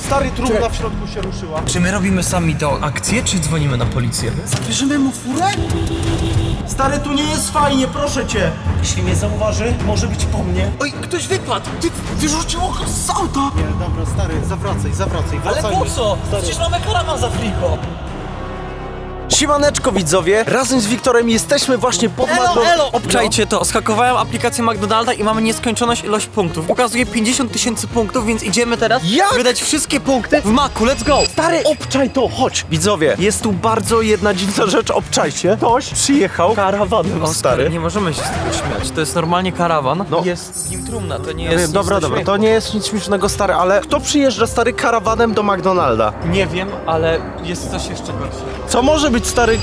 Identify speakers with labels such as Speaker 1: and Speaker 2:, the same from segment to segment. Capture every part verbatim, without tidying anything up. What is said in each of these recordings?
Speaker 1: Stary, trumna w środku się ruszyła.
Speaker 2: Czy my robimy sami tę akcję, czy dzwonimy na policję?
Speaker 1: Zabierzemy mu furę? Stary, tu nie jest fajnie, proszę cię. Jeśli mnie zauważy, może być po mnie.
Speaker 2: Oj, ktoś wypadł! Ty wyrzuciło go z auta!
Speaker 1: Nie, dobra, stary, zawracaj, zawracaj,
Speaker 2: Ale
Speaker 1: wracajmy.
Speaker 2: po co? Przecież mamy karawan za friko!
Speaker 1: Siemaneczko widzowie, razem z Wiktorem jesteśmy właśnie pod
Speaker 2: Elo, elo!
Speaker 3: Obczajcie to, skakowałem aplikację McDonalda i mamy nieskończoność ilość punktów. Pokazuje pięćdziesiąt tysięcy punktów, więc idziemy teraz
Speaker 1: Jak?
Speaker 3: wydać wszystkie punkty w Macu, let's go!
Speaker 1: Stary, obczaj to, chodź. Widzowie, jest tu bardzo jedna dziwna rzecz, obczajcie. Ktoś przyjechał karawanem,
Speaker 3: Oskar,
Speaker 1: stary.
Speaker 3: nie możemy się z tego śmiać, to jest normalnie karawan.
Speaker 1: No.
Speaker 3: Jest w nim trumna, to nie
Speaker 1: Nie,
Speaker 3: jest nic
Speaker 1: dobra,
Speaker 3: do
Speaker 1: dobra,
Speaker 3: śmiechu.
Speaker 1: to nie jest nic śmiesznego, stary, ale kto przyjeżdża, stary, karawanem do McDonalda?
Speaker 3: Nie wiem, ale jest coś jeszcze gorszego.
Speaker 1: Co może być, stary?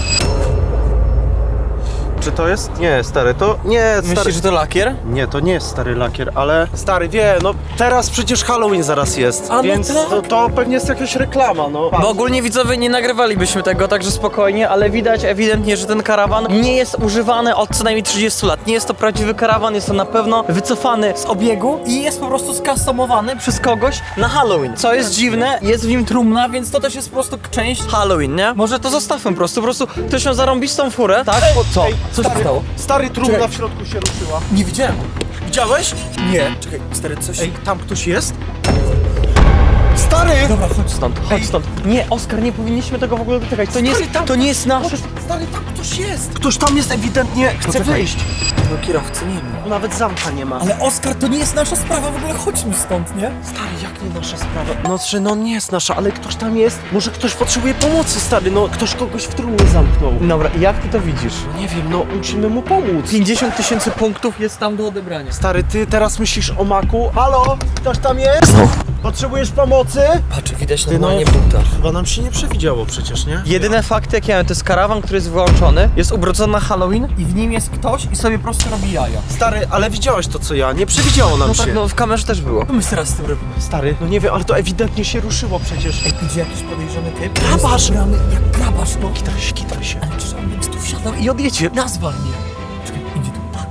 Speaker 1: Czy to jest? Nie, stary, to nie, stary.
Speaker 3: Myślisz, że to lakier?
Speaker 1: Nie, to nie jest stary lakier, ale... Stary, wie, no teraz przecież Halloween zaraz jest,
Speaker 3: A, no
Speaker 1: więc
Speaker 3: tak.
Speaker 1: to, to pewnie jest jakaś reklama, no.
Speaker 3: Bo ogólnie widzowie nie nagrywalibyśmy tego, także spokojnie, ale widać ewidentnie, że ten karawan nie jest używany od co najmniej trzydziestu lat. Nie jest to prawdziwy karawan, jest to na pewno wycofany z obiegu i jest po prostu skustomowany przez kogoś na Halloween. Co jest dziwne, jest w nim trumna, więc to też jest po prostu część Halloween, nie? Może to zostawmy po prostu, po prostu ktoś miał zarąbistą furę, tak? O, co? Co się
Speaker 1: Stary,
Speaker 3: stało?
Speaker 1: stary, trumna
Speaker 3: Czekaj.
Speaker 1: w środku się ruszyła.
Speaker 3: Nie widziałem.
Speaker 1: Widziałeś?
Speaker 3: Nie. Czekaj, stary, coś...
Speaker 1: Ej, tam ktoś jest? Stary!
Speaker 3: Dobra, chodź stąd, chodź stąd. Nie, Oskar, nie powinniśmy tego w ogóle dotykać. To nie jest,
Speaker 1: Stary, tam-
Speaker 3: to nie jest nasze...
Speaker 1: Stary, tam ktoś jest! Ktoś tam jest ewidentnie, chce
Speaker 3: Poczekaj.
Speaker 1: wyjść.
Speaker 3: No kierowcy nie ma.
Speaker 1: Nawet zamka nie ma.
Speaker 2: Ale Oskar, to nie jest nasza sprawa, w ogóle chodźmy stąd, nie?
Speaker 1: Stary, jak nie nasza sprawa? No, że no nie jest nasza, ale ktoś tam jest. Może ktoś potrzebuje pomocy, stary, no ktoś kogoś w trumnie zamknął.
Speaker 3: Dobra, jak ty to widzisz?
Speaker 1: Nie wiem, no musimy mu pomóc.
Speaker 3: pięćdziesiąt tysięcy punktów jest tam do odebrania.
Speaker 1: Stary, ty teraz myślisz o maku? Halo? Ktoś tam jest?
Speaker 3: No.
Speaker 1: Potrzebujesz pomocy?
Speaker 3: Patrz, widać
Speaker 1: Ty,
Speaker 3: normalnie
Speaker 1: no,
Speaker 3: buta.
Speaker 1: Chyba nam się nie przewidziało przecież, nie?
Speaker 3: Jedyne fakty jakie mamy, to jest karawan, który jest wyłączony, jest ubrudzony na Halloween i w nim jest ktoś i sobie po prostu robi jaja.
Speaker 1: Stary, ale widziałeś to co ja, nie przewidziało nam
Speaker 3: No
Speaker 1: się.
Speaker 3: tak, no w kamerze też było.
Speaker 2: Co my teraz z tym robimy?
Speaker 1: Stary, no nie wiem, ale to ewidentnie się ruszyło przecież.
Speaker 2: Ej, idzie jakiś podejrzany typ?
Speaker 1: Grabarz!
Speaker 2: Gramy jak grabarz, no.
Speaker 1: Kitaj się, kitaj się.
Speaker 2: Ale czy on będzie tu wsiadał i odjedzie? Nazwal mnie. Czekaj, idzie tu. Tak,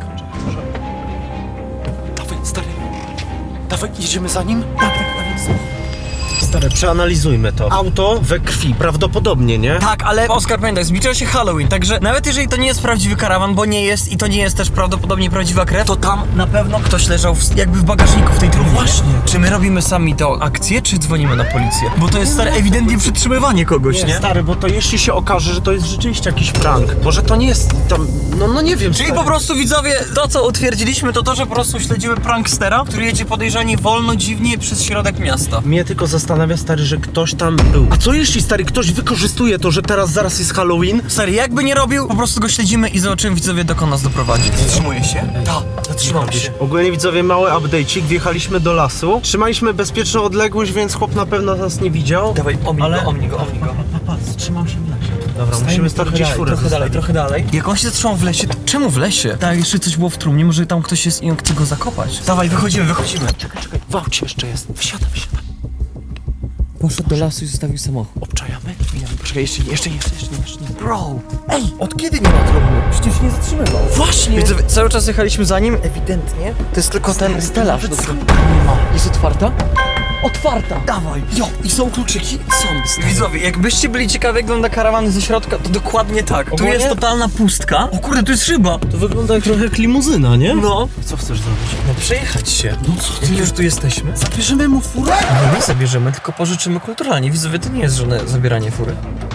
Speaker 1: Dawaj, stary. Dawaj, jedziemy za nim?
Speaker 2: tak, tak, nawet są.
Speaker 1: Stary, przeanalizujmy to. Auto we krwi, prawdopodobnie, nie?
Speaker 3: Tak, ale Oskar, pamiętaj, zbliża się Halloween, także nawet jeżeli to nie jest prawdziwy karawan, bo nie jest i to nie jest też prawdopodobnie prawdziwa krew, to tam na pewno ktoś leżał w, jakby w bagażniku w tej trumnie.
Speaker 2: Właśnie.
Speaker 3: Czy my robimy sami tę akcję, czy dzwonimy na policję? Bo to jest stare ewidentnie przytrzymywanie kogoś, nie?
Speaker 1: Stary, bo to jeśli się okaże, że to jest rzeczywiście jakiś prank, może to nie jest tam, no, no nie wiem.
Speaker 3: Czyli
Speaker 1: stary.
Speaker 3: po prostu widzowie, to co utwierdziliśmy, to to, że po prostu śledzimy prankstera, który jedzie podejrzanie wolno, dziwnie przez środek miasta.
Speaker 1: Mnie tylko zastanawia, stary, że ktoś tam był. A co jeśli, stary, ktoś wykorzystuje to, że teraz zaraz jest Halloween?
Speaker 3: Stary, jakby nie robił, po prostu go śledzimy i zobaczymy widzowie, dokąd nas doprowadzi.
Speaker 2: Zatrzymuje się?
Speaker 3: Tak, zatrzymam się.
Speaker 1: Ogólnie widzowie, mały update'cik, wjechaliśmy do lasu, trzymaliśmy bezpieczną odległość, więc chłop na pewno nas nie widział.
Speaker 3: Dawaj, omnij
Speaker 1: Ale-
Speaker 3: go, omnij go, omnij go.
Speaker 1: Trzymam się w lesie. Dobra,
Speaker 3: Stajemy
Speaker 1: musimy stąd
Speaker 3: trochę
Speaker 1: gdzieś
Speaker 3: dalej,
Speaker 1: furę
Speaker 3: trochę dalej,
Speaker 1: zostawić.
Speaker 3: trochę dalej. Jak on się zatrzymał w lesie, to czemu w lesie? Tak, jeszcze coś było w trumnie, może tam ktoś jest i on chce go zakopać. Dawaj, wychodzimy, wychodzimy.
Speaker 1: Czekaj, czekaj, w aucie jeszcze jest. Wsiadam, wsiadam.
Speaker 3: Poszedł do lasu i zostawił samochód.
Speaker 1: Obczajamy? Poczekaj, jeszcze nie, jeszcze nie, jeszcze nie, jeszcze nie.
Speaker 3: Bro!
Speaker 2: Ej, od kiedy nie ma trumny? Przecież nie zatrzymywał.
Speaker 1: Właśnie!
Speaker 3: Widzowie, cały czas jechaliśmy za nim, ewidentnie. To jest tylko ten stelaż.
Speaker 1: nawet
Speaker 3: do-
Speaker 1: sam
Speaker 3: Nie ma. Jest otwarta? Otwarta!
Speaker 2: Dawaj. Jo, i są kluczyki? Są.
Speaker 3: Widzowie, jakbyście byli ciekawi jak wygląda karawan ze środka, to dokładnie tak. Tu
Speaker 1: Ogólnie?
Speaker 3: jest totalna pustka. O kurde, tu jest szyba.
Speaker 1: To wygląda jak trochę jak limuzyna, nie?
Speaker 3: No.
Speaker 1: Co chcesz zrobić?
Speaker 3: No przejechać się. No co ty? Jak już tu jesteśmy?
Speaker 1: Zabierzemy mu furę?
Speaker 3: No nie zabierzemy, tylko pożyczymy kulturalnie. Widzowie, to nie jest żadne zabieranie fury.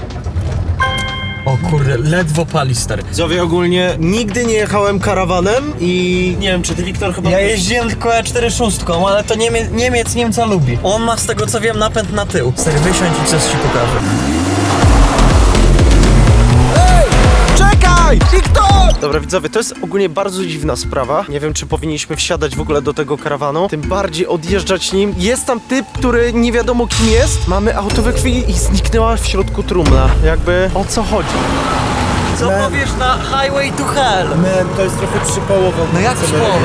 Speaker 3: O kurde, ledwo pali, stary.
Speaker 1: Widzowie, ogólnie nigdy nie jechałem karawanem i nie wiem, czy ty, Wiktor, chyba...
Speaker 3: Ja jeździłem tylko E cztery szóstką, ale to Niemie Niemiec Niemca lubi. On ma z tego co wiem napęd na tył. Stary, wysiądź i coś ci pokażę.
Speaker 1: Czekaj! Wiktor! Dobra, widzowie, to jest ogólnie bardzo dziwna sprawa. Nie wiem, czy powinniśmy wsiadać w ogóle do tego karawanu, tym bardziej odjeżdżać nim. Jest tam typ, który nie wiadomo kim jest. Mamy auto we krwi i zniknęła w środku trumna. Jakby o co chodzi?
Speaker 3: Co powiesz na Highway to Hell?
Speaker 2: Man, to jest trochę przypołowo.
Speaker 3: No jak przypołowo?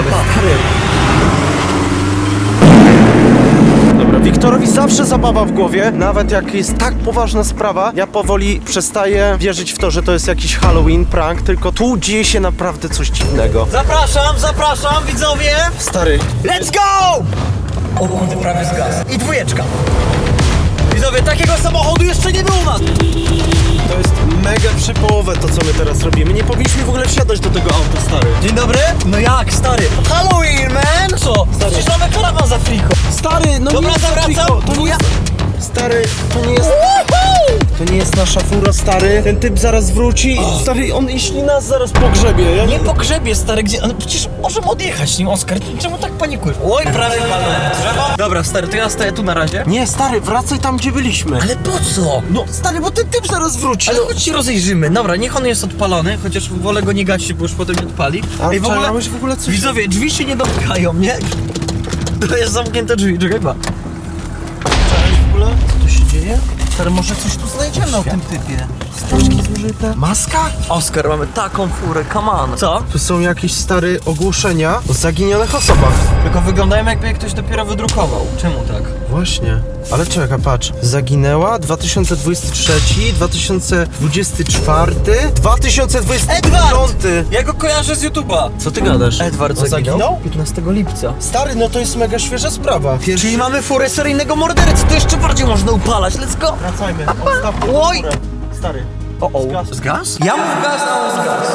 Speaker 1: Dobra, Wiktorowi zawsze zabawa w głowie, nawet jak jest tak poważna sprawa, ja powoli przestaję wierzyć w to, że to jest jakiś Halloween prank, tylko tu dzieje się naprawdę coś dziwnego.
Speaker 3: Zapraszam, zapraszam, widzowie!
Speaker 1: Stary,
Speaker 3: Let's go! O kurde, prawie zgasł. I dwójeczka. Widzowie, takiego samochodu jeszcze nie było u nas!
Speaker 1: To jest mega przypołowe to, co my teraz robimy. Nie powinniśmy w ogóle wsiadać do tego auta, stary.
Speaker 3: Dzień dobry? No jak, stary? Halloween, man! Co? Przecież mamy karawan za friko.
Speaker 1: Stary, no
Speaker 3: Dobra,
Speaker 1: nie jest
Speaker 3: zawracam.
Speaker 1: Afriko, To nie jest... Stary, to nie jest... To nie jest nasza fura, stary. Ten typ zaraz wróci. Stary, on jeśli nas zaraz pogrzebie. Ja
Speaker 3: Nie po grzebie, stary, gdzie... No przecież możemy odjechać nim, Oskar. Czemu tak panikujesz? Oj, prawie walnąłem w drzewo. Dobra, stary, to ja stoję tu na razie.
Speaker 1: Nie, stary, wracaj tam, gdzie byliśmy.
Speaker 3: Ale po co?
Speaker 1: No, stary, bo ten typ zaraz wróci.
Speaker 3: Ale chodź się rozejrzymy. Dobra, niech on jest odpalony, chociaż wolę go nie gasić, bo już potem nie odpali.
Speaker 1: A
Speaker 3: Ej, w ogóle,
Speaker 1: czekałeś w ogóle coś...
Speaker 3: widzowie, drzwi się nie domykają, nie? To jest zamknięte drzwi, czekaj, ma.
Speaker 1: w ogóle? Co tu się dzieje? Stary, może coś tu znajdziemy o tym typie. Steczki zużyte. Maska?
Speaker 3: Oskar, mamy taką furę, come on. Co?
Speaker 1: Tu są jakieś stare ogłoszenia o zaginionych osobach.
Speaker 3: Tylko wyglądają, jakby je ktoś dopiero wydrukował. Czemu tak?
Speaker 1: Właśnie. Ale czekaj, patrz. Zaginęła dwa tysiące dwudziesty trzeci, dwa tysiące dwudziesty czwarty, dwa tysiące dwudziesty piąty.
Speaker 3: Ja go kojarzę z YouTube'a.
Speaker 1: Co ty gadasz?
Speaker 3: Edward
Speaker 1: On
Speaker 3: zaginął?
Speaker 1: zaginął?
Speaker 3: piętnastego lipca.
Speaker 1: Stary, no to jest mega świeża sprawa. Pierwszy...
Speaker 3: Czyli mamy furę seryjnego mordercy, to jeszcze bardziej można upalać, let's go!
Speaker 1: Wracajmy. Odstawmy
Speaker 3: Oj!
Speaker 1: górę. Stary.
Speaker 3: O, o.
Speaker 1: Zgas.
Speaker 3: Z gaz? Ja mów gaz, a on z gaz.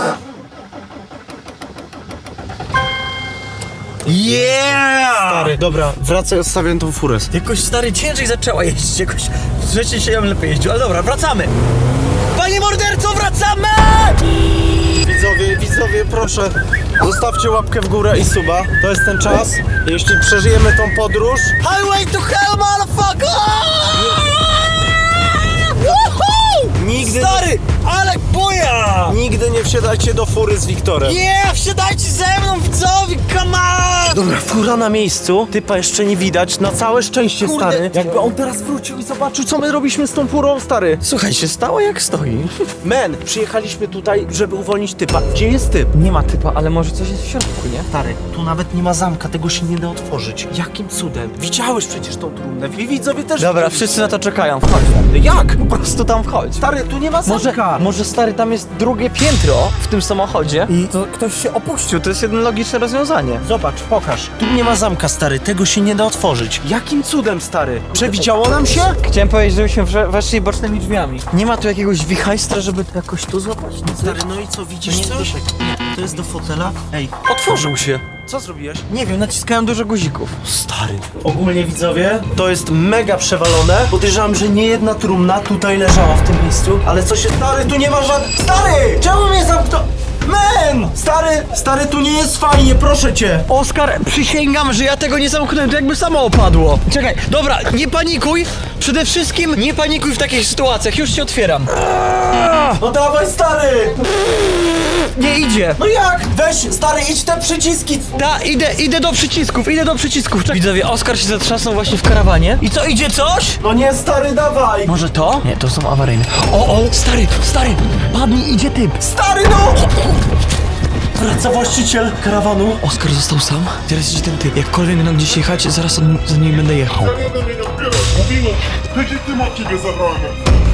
Speaker 3: Yeah!
Speaker 1: Stary, dobra, wracaj, odstawiam tą furę.
Speaker 3: Jakoś stary ciężej zaczęła jeździć, jakoś trzeci się ją lepiej jeździł, ale dobra, wracamy! Panie morderco, wracamy!
Speaker 1: Widzowie, widzowie, proszę, zostawcie łapkę w górę i suba. To jest ten czas. Jeśli przeżyjemy tą podróż,
Speaker 3: Highway to hell, motherfucker! Woohoo!
Speaker 1: nigdy,
Speaker 3: Stary, ale buja!
Speaker 1: nigdy nie wsiadajcie do fury z Wiktorem.
Speaker 3: Nie, wsiadajcie ze mną, widzowie, come on!
Speaker 1: Dobra, fura na miejscu, typa jeszcze nie widać, na całe szczęście,
Speaker 3: Kurde.
Speaker 1: stary. Jakby on teraz wrócił i zobaczył, co my robiliśmy z tą furą, stary.
Speaker 3: Słuchaj, się stało jak stoi.
Speaker 1: Men, przyjechaliśmy tutaj, żeby uwolnić typa. Gdzie jest typ?
Speaker 3: Nie ma typa, ale może coś jest w środku, nie?
Speaker 1: Stary, tu nawet nie ma zamka, tego się nie da otworzyć. Jakim cudem? Widziałeś przecież tą trumnę, wi widzowie też.
Speaker 3: Dobra,
Speaker 1: widzieli.
Speaker 3: wszyscy na to czekają, wchodź tam.
Speaker 1: Jak?
Speaker 3: Po prostu tam wchodź.
Speaker 1: Stary, tu nie ma
Speaker 3: Może,
Speaker 1: zamka.
Speaker 3: może stary, tam jest drugie piętro w tym samochodzie i to ktoś się opuścił, to jest jedno logiczne rozwiązanie.
Speaker 1: Zobacz, pokaż. Tu nie ma zamka, stary, tego się nie da otworzyć. Jakim cudem, stary? Przewidziało nam się?
Speaker 3: Chciałem powiedzieć, żebyśmy wsze- weszli bocznymi drzwiami. Nie ma tu jakiegoś wichajstra, żeby to jakoś tu złapać? Nic.
Speaker 1: Stary, no i co, widzisz
Speaker 3: To nie
Speaker 1: coś? To jest do fotela. Ej,
Speaker 3: Otworzył się.
Speaker 1: co zrobiłeś?
Speaker 3: Nie wiem, naciskałem dużo guzików.
Speaker 1: Stary. Ogólnie widzowie, to jest mega przewalone. Podejrzewam, że nie jedna trumna tutaj leżała w tym miejscu. Ale co się... Stary, tu nie ma żadnych... Stary! Czemu mnie zamknął? Men! Stary, stary, tu nie jest fajnie, proszę cię.
Speaker 3: Oskar, przysięgam, że ja tego nie zamknąłem, to jakby samo opadło. Czekaj, dobra, nie panikuj. Przede wszystkim nie panikuj w takich sytuacjach, już ci otwieram.
Speaker 1: No dawaj, stary!
Speaker 3: Nie idzie.
Speaker 1: No jak? Weź, stary, idź te przyciski.
Speaker 3: Da, idę, idę do przycisków, idę do przycisków. Czekaj. Widzowie, Oskar się zatrzasnął właśnie w karawanie. I co, idzie coś?
Speaker 1: No nie, stary, dawaj.
Speaker 3: Może to? Nie, to są awaryjne. O, o, stary, stary, padnij, idzie typ.
Speaker 1: Stary, no! Wraca właściciel karawanu.
Speaker 3: Oskar został sam, teraz idzie ten typ. Jakkolwiek będą gdzieś jechać, zaraz od, za nim będę jechał.
Speaker 4: Nie do mnie odbiera. Mówiłem, legitym od ciebie zabrałem.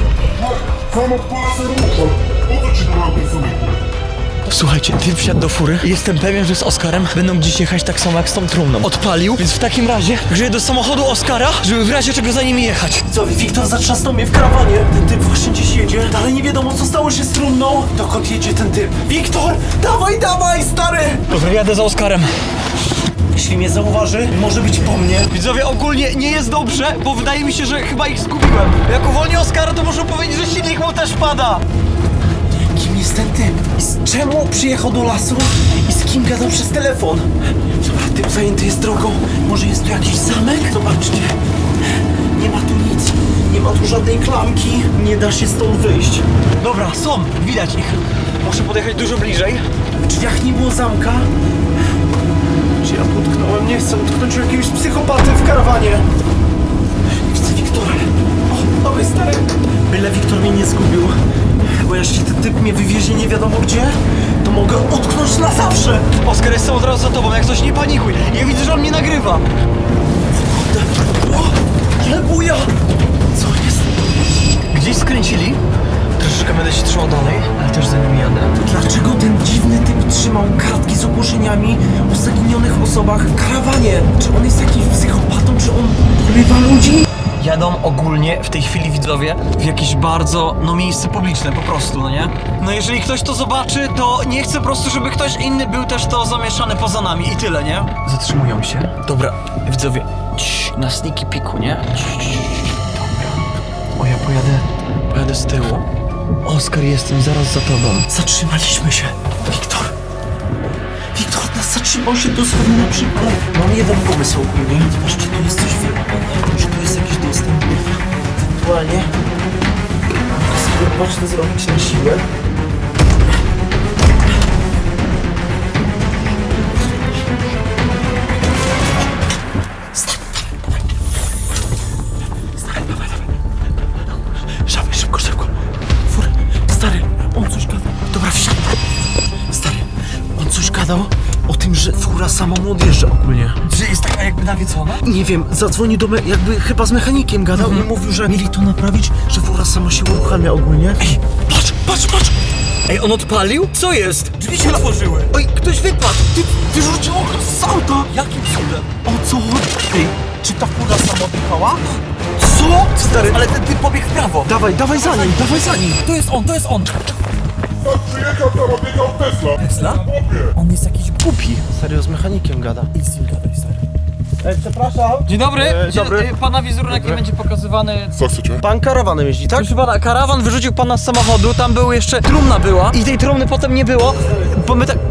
Speaker 4: Sam odpala się ruszał. Po co ci dałem ten samochód?
Speaker 3: Słuchajcie, typ wsiadł do fury. Jestem pewien, że z Oskarem będą gdzieś jechać tak samo jak z tą trumną. Odpalił, więc w takim razie grzeję do samochodu Oskara, żeby w razie czego za nimi jechać.
Speaker 1: Co, Wiktor zatrzasnął mnie w karawanie. Ten typ właśnie gdzieś jedzie. Dalej nie wiadomo, co stało się z trumną. Dokąd jedzie ten typ? Wiktor, dawaj, dawaj, stary!
Speaker 3: Dobra, jadę za Oskarem.
Speaker 1: Jeśli mnie zauważy, może być po mnie.
Speaker 3: Widzowie, ogólnie nie jest dobrze, bo wydaje mi się, że chyba ich zgubiłem. Jak uwolnię Oskara, to muszę powiedzieć, że silnik mu też pada.
Speaker 1: Kim jest ten typ? I z czemu przyjechał do lasu? I z kim gadał przez telefon? Dobra, typ zajęty jest drogą. Może jest tu jakiś zamek? Zobaczcie. Nie ma tu nic. Nie ma tu żadnej klamki. Nie da się stąd wyjść.
Speaker 3: Dobra, są, widać ich. Muszę podjechać dużo bliżej.
Speaker 1: W drzwiach nie było zamka. Czy ja tu utknąłem? Nie chcę utknąć u jakiegoś psychopaty w karawanie. Widzę Wiktora. O, dobry stary. Byle Wiktor mnie nie zgubił. Bo jeśli ten typ mnie wywiezie nie wiadomo gdzie, to mogę utknąć na zawsze.
Speaker 3: Oskar jest od razu za tobą, jak coś nie panikuj. Ja widzę, że on mnie nagrywa.
Speaker 1: O, ale buja! Co jest?
Speaker 3: Gdzieś skręcili. Troszeczkę będę się trzymał dalej, ale też za nimi jadę.
Speaker 1: Dlaczego ten dziwny typ trzymał kartki z ogłoszeniami o zaginionych osobach w karawanie? Czy on jest jakimś psychopatą? Czy on porywa ludzi?
Speaker 3: jadą ogólnie w tej chwili widzowie w jakieś bardzo, no miejsce publiczne po prostu, no nie? No jeżeli ktoś to zobaczy, to nie chcę po prostu, żeby ktoś inny był też to zamieszany poza nami i tyle, nie? Zatrzymują się. Dobra, widzowie, cii, na sneaky piku, nie? Cii, cii, cii, cii. Dobra. O, ja pojadę, pojadę z tyłu. Oskar, jestem zaraz za tobą.
Speaker 2: Zatrzymaliśmy się. Wiktor. Wiktor nas zatrzymał się dosłownie na przykład. Mam jeden pomysł ogólnie. Zobaczcie, tu jest coś wyłapane. Może tu jest jakiś dostęp. Ewentualnie mogę sobie patrzę zrobić na siłę. Szafy, szybko, szybko. Fur, stary, on coś gadał. Dobra, wsiadaj. Stary, on coś gadał o tym, że fura sama mu odjeżdża ogólnie.
Speaker 3: Że jest taka jakby nawiecona?
Speaker 1: Nie wiem, zadzwonił do me... jakby chyba z mechanikiem gadał i mówił, że mieli to naprawić, że fura sama się uruchamia ogólnie.
Speaker 2: Ej, patrz, patrz, patrz.
Speaker 3: Ej, on odpalił? Co jest?
Speaker 2: Drzwi się otworzyły.
Speaker 1: Oj, ktoś wypadł! Ty wyrzuciło go z auta!
Speaker 2: Jakim cudem?
Speaker 1: O co chodzi? Ej,
Speaker 2: Czy ta fura sama odjechała?
Speaker 1: co? Stary,
Speaker 2: Ale ten typ pobiegł w prawo.
Speaker 1: dawaj, dawaj za nim, dawaj za nim!
Speaker 2: To jest on, to jest on.
Speaker 4: Tak przyjechał tam, odjechał Tesla.
Speaker 2: Tesla?
Speaker 4: Chłopie.
Speaker 2: On jest jakiś głupi.
Speaker 1: Serio, z mechanikiem gada.
Speaker 2: Idź z nim gadaj, stary.
Speaker 1: Ej, przepraszam.
Speaker 3: Dzień dobry.
Speaker 1: E,
Speaker 3: Dzień,
Speaker 1: dobry.
Speaker 3: e, Pana wizerunek nie będzie pokazywany.
Speaker 4: Co chcecie?
Speaker 1: Pan karawanem jeździ, tak?
Speaker 3: Proszę pana, karawan wyrzucił pana z samochodu, tam był jeszcze, trumna była i tej trumny potem nie było, bo my tak...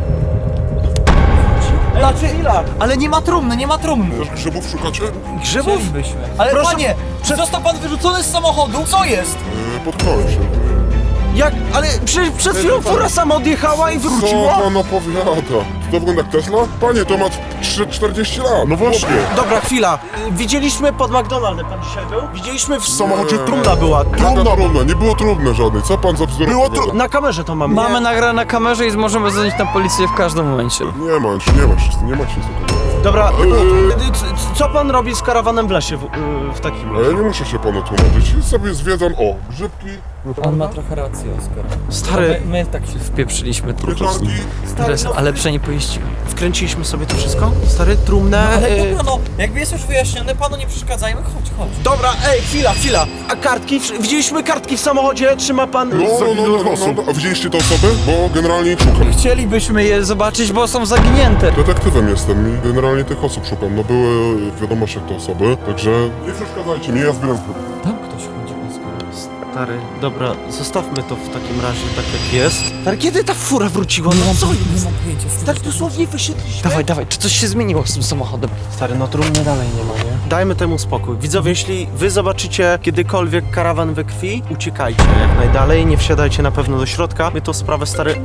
Speaker 1: Znaczy, chwila.
Speaker 3: Ale nie ma trumny, nie ma trumny.
Speaker 4: Też grzybów szukacie?
Speaker 1: Grzybów?
Speaker 3: Chcielibyśmy. Ale
Speaker 1: Proszę-
Speaker 3: panie, czy został pan wyrzucony z samochodu? Co jest?
Speaker 4: Yy, potknąłem się.
Speaker 1: Jak? Ale przecież przed chwilą fura sama odjechała i
Speaker 4: Co
Speaker 1: wróciła.
Speaker 4: pan opowiada? To wygląda jak Tesla? Panie, to ma trzy- czterdzieści lat. No właśnie.
Speaker 1: Dobra, chwila. Y, Widzieliśmy pod McDonaldem, pan dzisiaj był? Widzieliśmy w
Speaker 4: W samochodzie
Speaker 1: trumna była.
Speaker 4: Trudna, trudna. Nie było trudne żadnej. Co pan za bzdury
Speaker 1: Było
Speaker 4: opowiada?
Speaker 1: tru... Na kamerze to mamy.
Speaker 3: Mamy
Speaker 1: Nie?
Speaker 3: nagrane na kamerze i możemy zadzwonić na policję w każdym momencie.
Speaker 4: Nie ma, już nie ma, wszyscy, nie macie nic takiego.
Speaker 1: Dobra,
Speaker 4: Nie było trudne.
Speaker 1: y, c- c- co pan robi z karawanem w lesie w, y, w takim
Speaker 4: Ale ja nie muszę się panu tłumaczyć. Ja sobie zwiedzam, o, grzybki,
Speaker 3: On ma trochę rację, Oskar.
Speaker 1: Stary,
Speaker 3: My, my tak się wpieprzyliśmy trochę.
Speaker 4: pieczarki.
Speaker 3: Teraz, ale lepsze nie pojeździłem.
Speaker 1: wkręciliśmy sobie to wszystko? Stary, trumnę.
Speaker 3: Ale
Speaker 1: y,
Speaker 3: dobra, no, jakby jest już wyjaśnione, panu nie przeszkadzajmy, chodź, chodź.
Speaker 1: Dobra, ej, chwila, chwila. A kartki? Wsz- Widzieliśmy kartki w samochodzie? Trzyma pan...
Speaker 4: No, no, no, no, no, no. A widzieliście te osoby? Bo generalnie ich szukam.
Speaker 3: Chcielibyśmy je zobaczyć, bo są zaginięte.
Speaker 4: Detektywem jestem i generalnie tych osób szukam. No były w wiadomościach te osoby, także nie przeszkadzajcie mi, ja zbieram zbyt.
Speaker 3: Tam ktoś chodzi, Oskar.
Speaker 1: Stary, dobra, zostawmy to w takim razie tak jak jest. Stary, kiedy ta fura wróciła? No co jest?
Speaker 2: Nie mam pojęcia.
Speaker 1: Tak dosłownie wysiedliśmy.
Speaker 3: Dawaj, dawaj, czy coś się zmieniło z tym samochodem?
Speaker 1: Stary, no trumny dalej nie ma, nie? Dajmy temu spokój. Widzowie, jeśli wy zobaczycie kiedykolwiek karawan we krwi, uciekajcie jak najdalej, nie wsiadajcie na pewno do środka. My tą sprawę, stary...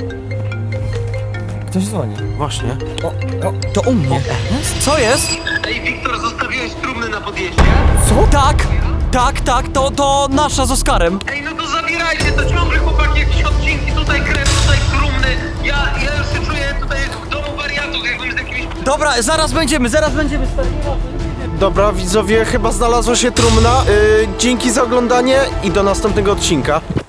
Speaker 3: Ktoś dzwoni.
Speaker 1: Właśnie.
Speaker 3: O, o, to u mnie. Co jest?
Speaker 5: Ej, Wiktor, zostawiłeś trumny na podjeździe?
Speaker 3: Co? Tak, tak, tak, to, to nasza z Oskarem.
Speaker 5: Ej, no to zabierajcie, to ciągle chłopaki jakieś odcinki, tutaj krew, tutaj trumny. Ja, ja już się czuję tutaj w domu wariatów, jakbym z jakimiś...
Speaker 3: Dobra, zaraz będziemy, zaraz będziemy, stary.
Speaker 1: Dobra, widzowie, chyba znalazła się trumna. Yy, dzięki za oglądanie i do następnego odcinka.